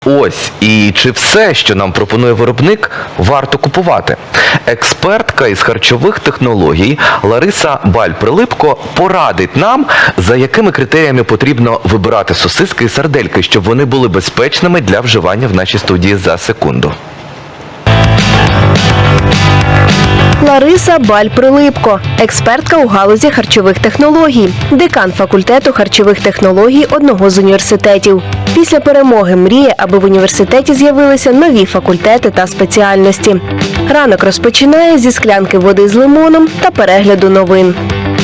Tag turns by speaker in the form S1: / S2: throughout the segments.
S1: Ось, і чи все, що нам пропонує виробник, варто купувати? Експертка із харчових технологій Лариса Баль-Прилипко порадить нам, за якими критеріями потрібно вибирати сосиски і сардельки, щоб вони були безпечними для вживання в нашій студії за секунду.
S2: Лариса Баль-Прилипко, експертка у галузі харчових технологій, декан факультету харчових технологій одного з університетів. Після перемоги мріє, аби в університеті з'явилися нові факультети та спеціальності. Ранок розпочинає зі склянки води з лимоном та перегляду новин.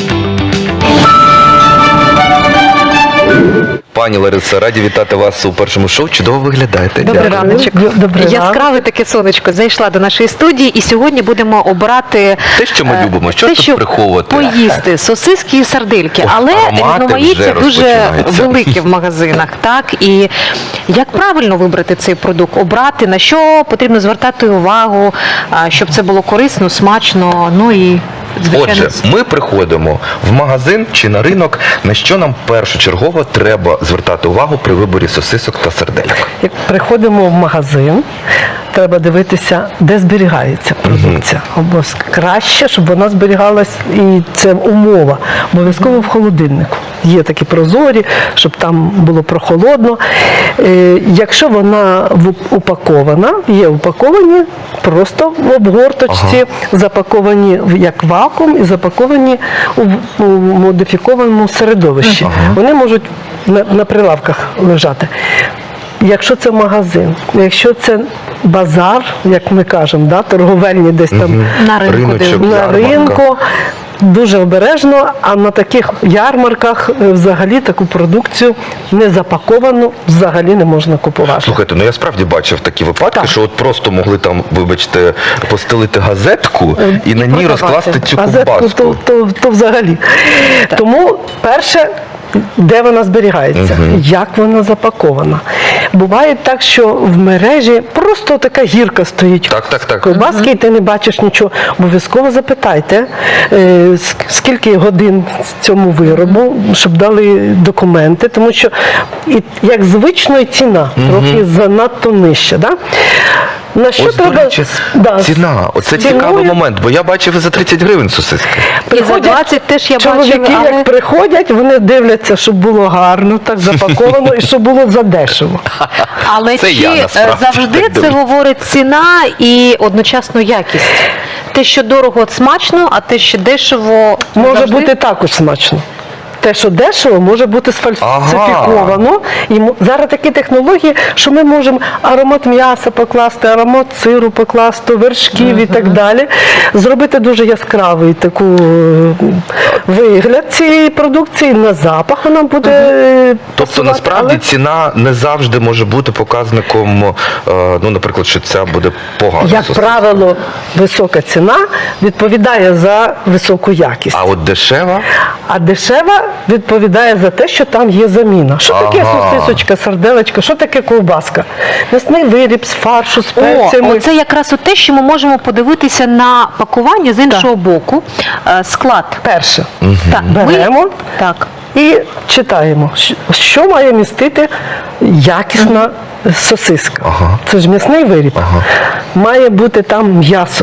S1: Пані Лариса, раді вітати вас у першому шоу. Чудово виглядаєте.
S3: Добрий
S1: Дякую.
S3: раночок.
S4: Добрий ранок.
S3: Яскраве таке сонечко зайшла до нашої студії, і сьогодні будемо обрати
S1: Те, що ми любимо. Що тут приховувати?
S3: Поїсти сосиски і сардельки, але
S1: аромати
S3: різноманіття
S1: вже
S3: дуже
S1: розпочинаються.
S3: велике в магазинах. Так, і як правильно вибрати цей продукт, обрати, на що потрібно звертати увагу, щоб це було корисно, смачно, ну і звичайно.
S1: Отже, ми приходимо в магазин чи на ринок, на що нам першочергово треба звертати увагу при виборі сосисок та сардельок.
S4: Як приходимо в магазин, треба дивитися, де зберігається продукція. Краще, щоб вона зберігалась, і це умова, обов'язково в холодильнику. Є такі прозорі, щоб там було прохолодно. Якщо вона упакована, є упаковані просто в обгорточці, запаковані як вакуум і запаковані у модифікованому середовищі. Вони можуть на прилавках лежати. Якщо це магазин, якщо це базар, як ми кажемо, да, торговельні десь там
S3: На ринку
S1: Риночок,
S4: на
S1: ярмарка.
S4: ринку, дуже обережно, а на таких ярмарках взагалі таку продукцію не запаковану взагалі не можна купувати.
S1: Слухайте, ну я справді бачив такі випадки, що от просто могли там, вибачте, постелити газетку і на ній розкласти цю
S4: Газетку,
S1: ковбаску.
S4: то взагалі. Тому перше, де вона зберігається, як вона запакована. Буває так, що в мережі просто така гірка стоїть
S1: Так.
S4: ковбаски, і ти не бачиш нічого. Обов'язково запитайте, скільки годин цьому виробу, щоб дали документи, тому що як звично і ціна трохи занадто нижча. Да? На що
S1: Ось, до
S4: треба?
S1: речі, ціна. Оце
S4: Ціною.
S1: цікавий момент, бо я бачив і за 30 гривень сосиски.
S3: І за 20 теж я
S4: чоловіки,
S3: бачила, але
S4: як приходять, вони дивляться, щоб було гарно, так запаковано і щоб було задешево.
S3: Але
S1: Це
S3: чи
S1: я, насправді,
S3: завжди
S1: так
S3: це
S1: думаю.
S3: говорить ціна і одночасно якість? Те, що дорого, смачно, а те, що дешево,
S4: Може
S3: завжди...
S4: бути також смачно. Те, що дешево, може бути сфальсифіковано. І зараз такі технології, що ми можемо аромат м'яса покласти, аромат сиру покласти, вершків і так далі. Зробити дуже яскравий таку вигляд цієї продукції, на запах вона буде
S1: Тобто,
S4: пасувати,
S1: насправді,
S4: але
S1: ціна не завжди може бути показником, ну, наприклад, що ця буде погана
S4: як
S1: сосиска.
S4: правило, висока ціна відповідає за високу якість.
S1: А от дешева?
S4: А дешева відповідає за те, що там є заміна. Що таке сосисочка, сарделечка, що таке ковбаска? М'ясний виріб з фаршу, з перцями.
S3: Це якраз те, що ми можемо подивитися на пакування з іншого боку. Склад.
S4: Перше.
S3: Так,
S4: Беремо
S3: Так.
S4: і читаємо, що має містити якісна сосиска. Це ж м'ясний виріб. Має бути там м'ясо.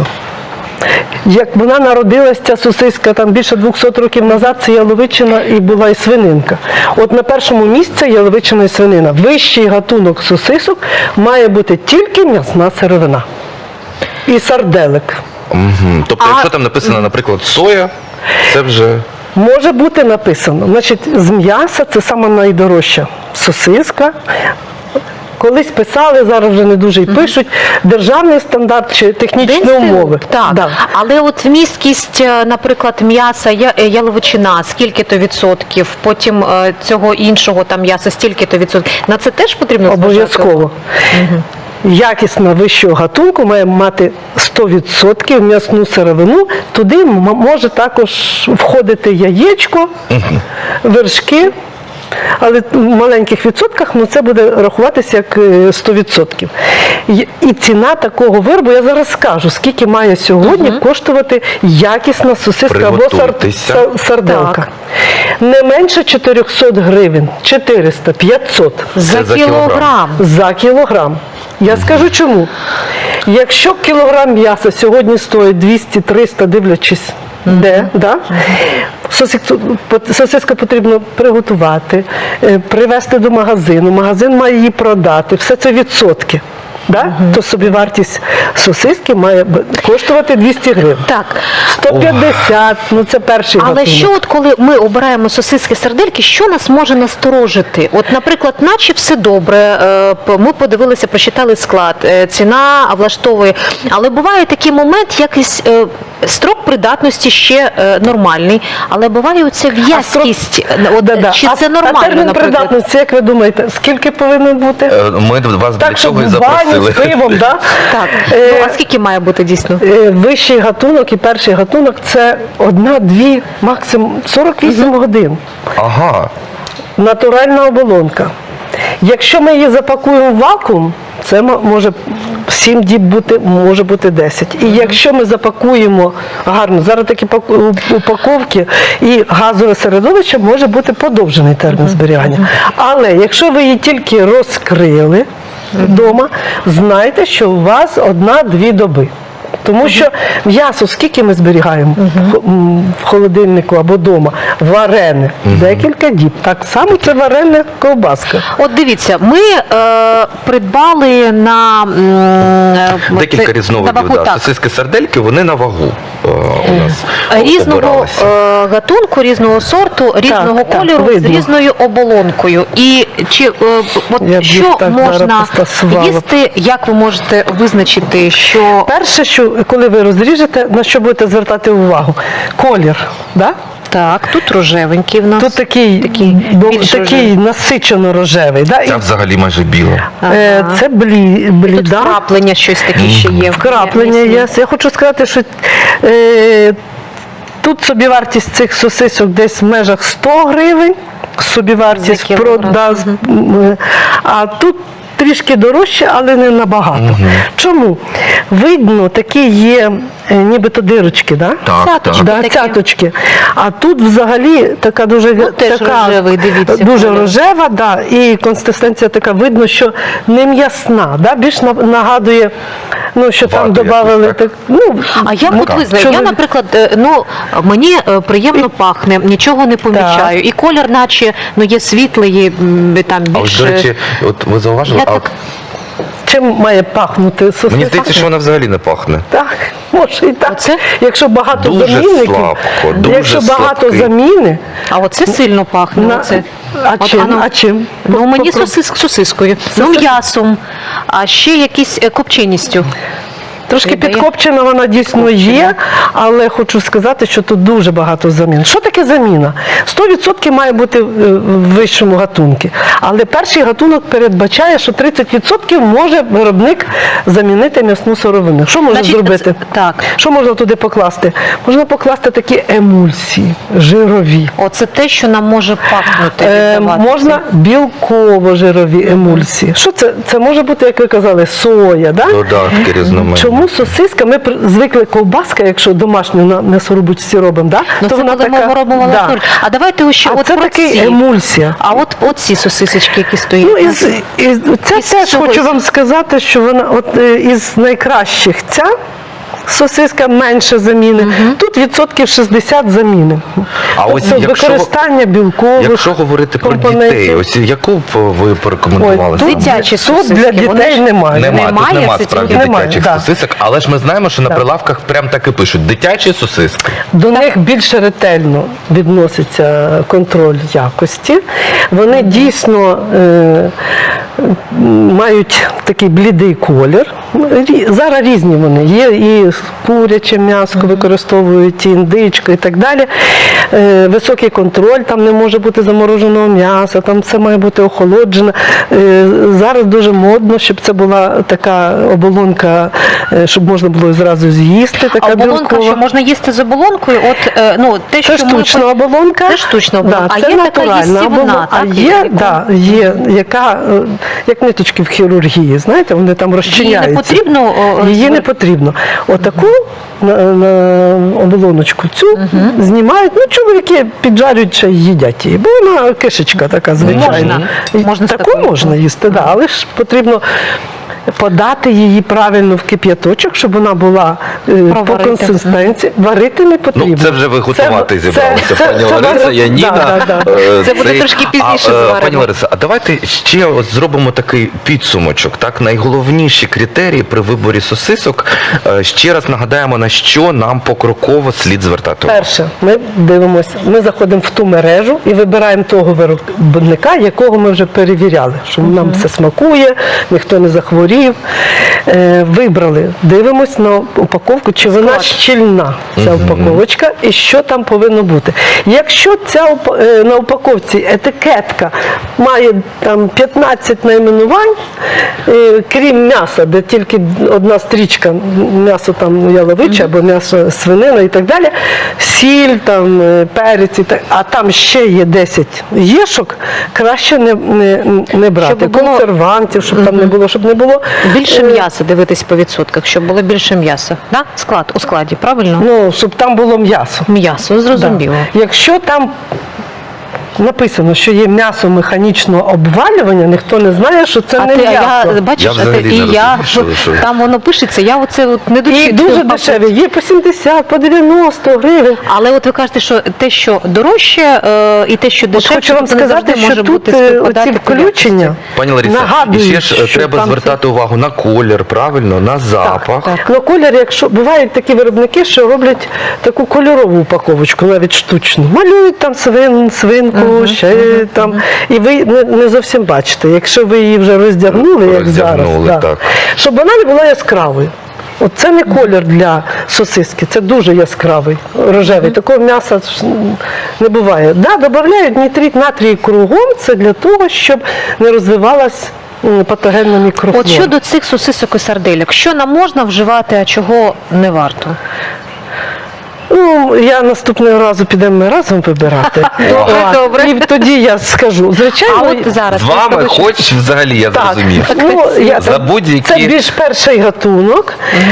S4: Як вона народилась, ця сосиска, там більше 200 років назад, це яловичина і була і свининка. От на першому місці яловичина і свинина. Вищий гатунок сосисок має бути тільки м'ясна сировина. І сарделик.
S1: Тобто, якщо там написано, наприклад, соя, це вже...
S4: Може бути написано. Значить, з м'яса це сама найдорожча сосиска. Колись писали, зараз вже не дуже й пишуть, державний стандарт чи технічні умови.
S3: Так,
S4: Да.
S3: але от вмісткість, наприклад, м'яса, яловичина, скільки-то відсотків, потім цього іншого там м'яса, стільки-то відсотків. На це теж потрібно зважати?
S4: Обов'язково. Якісна вищого гатунку має мати 100% м'ясну сировину. Туди може також входити яєчко, вершки. Але в маленьких відсотках це буде рахуватися як 100%. І ціна такого виробу, я зараз скажу, скільки має сьогодні коштувати якісна сосиска або
S1: Приготуйтеся.
S4: сарделка.
S3: Так.
S4: Не менше 400 гривень, 400, 500
S3: За
S1: за кілограм.
S3: кілограм.
S4: за кілограм. Я скажу чому. Якщо кілограм м'яса сьогодні стоїть 200-300, дивлячись де, да? Сосиску потрібно приготувати, привезти до магазину, магазин має її продати, все це відсотки. Да? То собівартість сосиски має коштувати 200 гривень.
S3: Так.
S4: 150, ну це перший
S3: Але
S4: гатунок.
S3: що от коли ми обираємо сосиски, сардельки, що нас може насторожити? От, наприклад, наче все добре, ми подивилися, прочитали склад, ціна влаштовує, але буває такий момент, якийсь строк придатності ще нормальний, але буває оця в'язкість. От, чи це нормально,
S4: А термін
S3: наприклад?
S4: придатності, як ви думаєте, скільки повинен бути?
S1: Ми вас для
S4: Так, щоб
S1: цього і
S4: в баню
S1: запросили.
S4: з пивом, да?
S3: Так. Ну, а скільки має бути дійсно?
S4: Вищий гатунок і перший гатунок – це 1-2, максимум 48 годин.
S1: Ага.
S4: Натуральна оболонка. Якщо ми її запакуємо в вакуум, це може 7 діб бути, може бути 10. І якщо ми запакуємо гарно, зараз такі упаковки і газове середовище, може бути подовжений термін зберігання. Але якщо ви її тільки розкрили вдома, знайте, що у вас 1-2 доби. Тому що м'ясо, скільки ми зберігаємо в холодильнику або вдома? Варене. Декілька діб. Так само це варена ковбаска.
S3: От дивіться, ми придбали на
S1: Декілька різновидів.
S3: на вагу,
S1: Да.
S3: так.
S1: Сосиски сардельки, вони на вагу у нас
S3: Різного
S1: обиралися.
S3: гатунку, різного сорту, різного
S4: так,
S3: кольору, з
S4: видно.
S3: різною оболонкою. І чи от
S4: Я б їх
S3: що
S4: так зараз
S3: можна
S4: постасувала.
S3: їсти, як ви можете визначити, що
S4: Перше, що коли ви розріжете, на що будете звертати увагу? Колір. Да?
S3: так, тут рожевенький в нас.
S4: Тут такий
S3: більш рожевий.
S4: насичено рожевий. Да? І,
S1: Це взагалі майже біло.
S4: це
S3: Тут
S4: бліда.
S3: вкраплення щось таке ще є.
S4: Вкраплення є. Я хочу сказати, що тут собівартість цих сосисок десь в межах 100 гривень, собівартість
S3: За кілограм.
S4: а тут трішки дорожче, але не набагато. Чому? Видно, такі є нібито дирочки, да?
S1: Так,
S3: Цяточки.
S1: так.
S4: Да,
S3: такі.
S4: цяточки. А тут взагалі така дуже
S3: теж
S4: така,
S3: рожевий, дивіться,
S4: дуже
S3: колір.
S4: рожева, да, і консистенція така, видно, що не м'ясна, да, більш нагадує, ну, що там
S1: Вату
S4: додавали
S1: якусь, так?
S4: так, ну,
S3: А як от ви знаєте,
S4: що
S3: я,
S4: ви-
S3: наприклад, мені приємно пахне, нічого не помічаю. І колір, наче, є світлий, є, там
S1: А ось,
S3: більш...
S1: до речі, от ви зауважили,
S3: Я
S1: а
S3: так-
S4: чим має пахнути сосиска?
S1: мені здається, що вона взагалі не пахне.
S4: Так, може і так.
S3: Оце?
S4: Якщо багато
S1: Дуже
S4: замінників,
S1: слабко, дуже
S4: якщо багато
S1: слабкий.
S4: заміни,
S3: А оце сильно пахне.
S4: на-
S3: Оце.
S4: а
S3: От
S4: чим?
S3: воно-
S4: А чим?
S3: Ну, мені
S4: Попро-
S3: сосискою, м'ясом, а ще якісь копченістю.
S4: Трошки
S3: Віддає.
S4: підкопчена вона дійсно є, але хочу сказати, що тут дуже багато замін. Що таке заміна? 100% має бути в вищому гатунку. Але перший гатунок передбачає, що 30% може виробник замінити м'ясну сировину. Що можна
S3: Значить,
S4: зробити?
S3: так.
S4: Що можна туди покласти? Можна покласти такі емульсії, жирові.
S3: Оце те, що нам може пахнути. віддавати.
S4: Можна білково-жирові емульсії. Що це? Це може бути, як ви казали, соя. Да?
S1: Додатки різноманітні.
S4: Чому сосиска? Ми звикли ковбаска, якщо домашню на м'ясорубочці робимо, да?
S3: Ну, це коли ми робимо латур. А давайте ще
S4: А
S3: от
S4: це
S3: про
S4: такий
S3: ці.
S4: емульсія.
S3: А от ці сосисочки, які стоять.
S4: Ну, це
S3: Із
S4: теж
S3: чогось.
S4: хочу вам сказати, що вона із найкращих ця сосиска менше заміни. Тут відсотків 60 заміни.
S1: А ось
S4: Тобто
S1: якщо-
S4: використання білкових
S1: Якщо говорити про
S4: компонентів.
S1: дітей, ось яку б ви порекомендували?
S4: Ой,
S1: саме?
S3: Дитячі
S4: Тут
S3: сосиски,
S4: для
S3: вони
S4: дітей
S3: ж-
S4: немає.
S1: Нема, тут нема
S3: це
S1: справді
S3: тільки-
S4: Немає,
S1: дитячих
S4: да.
S1: сосисок, але ж ми знаємо, що на прилавках прям так і пишуть дитячі сосиски.
S4: До них більше ретельно відноситься контроль якості. Вони дійсно мають такий блідий колір. Зараз різні вони. Є і куряче м'ясо використовують, і індичку і так далі. Високий контроль, там не може бути замороженого м'яса, там все має бути охолоджене. Зараз дуже модно, щоб це була така оболонка, щоб можна було зразу з'їсти. Така
S3: А оболонка,
S4: білкова.
S3: що можна їсти з оболонкою, те,
S4: Це
S3: що ми
S4: штучна оболонка.
S3: Це штучна оболонка.
S4: Да,
S3: А
S4: це
S3: є така
S4: натуральна
S3: їстівна,
S4: оболонка.
S3: так,
S4: А є,
S3: яка-
S4: да, є, яка як ниточки в хірургії, знаєте, вони там розчиняються.
S3: Її не потрібно
S4: Її не потрібно. Отаку на оболоночку цю знімають, ну чоловіки піджарюють ще й їдять її, бо вона кишечка така звичайна.
S3: Можна з
S4: Таку
S3: такою.
S4: можна їсти, да, але ж потрібно подати її правильно в кип'яточок, щоб вона була по
S3: Проварити.
S4: консистенції. Варити не потрібно.
S1: Ну, це вже ви готувати зібралися, пані
S4: це
S1: Лариса,
S4: варити-
S1: Яніна.
S4: Да, да, да.
S3: Це буде трошки пізніше зваримо.
S1: Пані Лариса, а давайте ще от зробимо такий підсумочок. Так, найголовніші критерії при виборі сосисок. Ще раз нагадаємо, на що нам покроково слід звертати увагу.
S4: Перше, ми дивимося, ми заходимо в ту мережу і вибираємо того виробника, якого ми вже перевіряли, що нам все смакує, ніхто не захворів. Вибрали, дивимось на упаковку, чи вона
S3: Склад.
S4: щільна, ця упаковочка, і що там повинно бути. Якщо на упаковці етикетка має там 15 найменувань, крім м'яса, де тільки одна стрічка, м'ясо там яловиче або м'ясо свинина і так далі, сіль, там, перець, а там ще є 10 єшок, краще не брати.
S3: Щоб було-
S4: Консервантів, щоб там не було, щоб не було.
S3: Більше м'яса дивитись по відсотках, щоб було більше м'яса. Да? У складі, правильно?
S4: Ну, щоб там було м'ясо.
S3: М'ясо, зрозуміло.
S4: Да. Якщо там написано, що є м'ясо механічного обвалювання, ніхто не знає, що це не м'ясо.
S1: Я
S3: бачиш,
S1: взагалі не розумію, що-
S3: там воно пишеться, я оце от не
S4: І
S3: дочитую.
S4: дуже дешеві, є по 70, по 90 гривень.
S3: Але от ви кажете, що те, що дорожче, і те, що
S4: От
S3: дешевше,
S4: хочу вам
S3: тобто не
S4: сказати,
S3: завжди
S4: що
S3: може
S4: тут
S3: бути співпадати
S4: оці
S3: по якості.
S4: включення
S1: Пані Лариса, і
S4: нагадують,
S1: ще ж
S4: що
S1: треба
S4: там
S1: звертати увагу на колір, правильно, на запах.
S3: так.
S4: Ну, колір, якщо бувають такі виробники, що роблять таку кольорову упаковочку, навіть штучну. Малюють там свинку, ще там. І ви не зовсім бачите. Якщо ви її вже роздягнули, як зараз,
S1: Роздягнули, так.
S4: щоб вона не була яскравою. От це не колір для сосиски, це дуже яскравий, рожевий. Такого м'яса ж не буває. Да, додають нітрит натрій кругом, це для того, щоб не розвивалась патогенна мікрофлора.
S3: От щодо цих сосисок і сардельок, що нам можна вживати, а чого не варто?
S4: Ну, я наступного разу підемо ми разом вибирати.
S3: Добре.
S4: І тоді я скажу. Звичайно,
S3: А от зараз
S1: З вами
S3: просто
S1: хоч взагалі, я зрозумів. За будь-які-
S4: Це більш перший гатунок,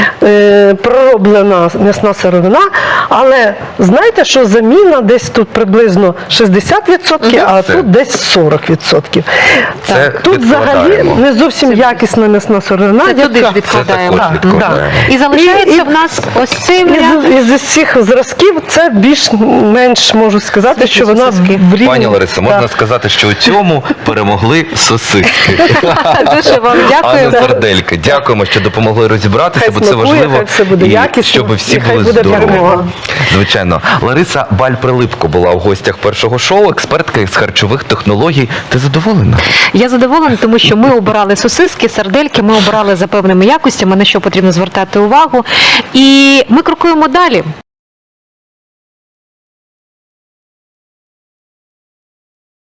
S4: пророблена м'ясна сировина, але знаєте, що заміна десь тут приблизно 60%, а
S1: Це-
S4: тут десь 40%.
S1: Це
S4: Тут взагалі
S1: відкладаємо.
S4: не зовсім якісна м'ясна сировина.
S3: Це туди ж
S4: яка-
S3: відкладаємо.
S1: Це також
S4: Так,
S1: відкладаємо.
S3: І залишається
S4: І-
S3: в нас ось цей варіант.
S4: Із усіх зразків це більш-менш можу сказати, що вона
S3: сосиски.
S4: в рівні.
S1: Пані Лариса, можна
S4: Так.
S1: сказати, що у цьому перемогли сосиски.
S3: Дуже вам
S1: А
S3: дякую.
S1: не сардельки. Дякуємо, що допомогли розібратися,
S4: Хай
S1: бо це
S4: смакує,
S1: важливо.
S4: хай все буде
S1: І
S4: якісно,
S1: щоб всі
S4: і хай
S1: були
S4: буде
S1: здорові.
S4: перемога.
S1: Звичайно. Лариса Баль-Прилипко була в гостях першого шоу, експертка із харчових технологій. Ти задоволена?
S3: Я задоволена, тому що ми обирали сосиски, сардельки, ми обирали за певними якостями, на що потрібно звертати увагу. І ми крокуємо далі.